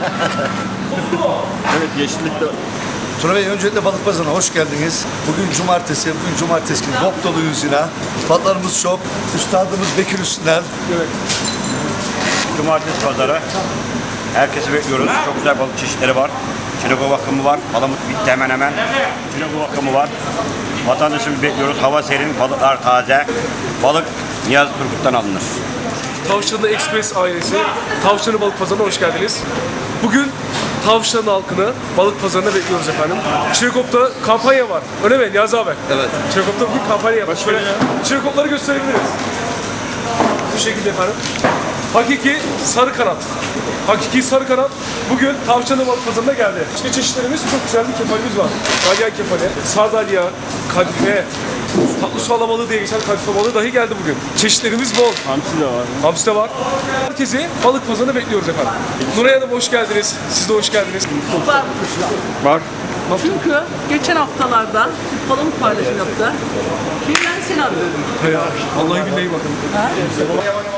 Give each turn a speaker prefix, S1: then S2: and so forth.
S1: Evet, yeşillikte.
S2: Tuna Bey, öncelikle balık pazarına hoş geldiniz. Bugün cumartesi günü dop doluyuz yine. Balıklarımız çok. Üstadımız Bekir Üstüner.
S1: Evet. Cumartesi pazarı. Herkesi bekliyoruz. Çok güzel balık çeşitleri var. Çinekop akımı var. Palamut bitti hemen hemen. Çinekop akımı var. Vatandaşımızı bekliyoruz. Hava serin, balıklar taze. Balık Niyazi Turgut'tan alınır.
S3: Tavşanlı Express ailesi Tavşanlı Balık Pazarı'na hoş geldiniz. Bugün Tavşanlı halkını balık pazarına bekliyoruz efendim. Çinekop'ta kampanya var. Öyle mi Niyazi abi? Evet. Çinekop'ta bugün kampanya var. Şöyle Çinekop'ları gösterebiliriz. Bu şekilde efendim. Hakiki sarı kanat. Hakiki sarı kanat bugün Tavşanlı Balık Pazarı'na geldi. İşte çeşitlerimiz çok güzel bir kefalimiz var. Dalyan kefali, sardalya, kadife, tatlı su alabalığı diye geçen kadife balığı dahi geldi bugün. Çeşitlerimiz bol.
S1: Hamsi de var.
S3: Hamsi de var. Herkesi balık pazarına bekliyoruz efendim. Nuray Hanım hoş geldiniz. Siz de hoş geldiniz.
S1: Bak.
S4: Çünkü geçen haftalarda palamut paylaşım yaptı. Ben seni arıyorum.
S3: Vallahi billahi bakın.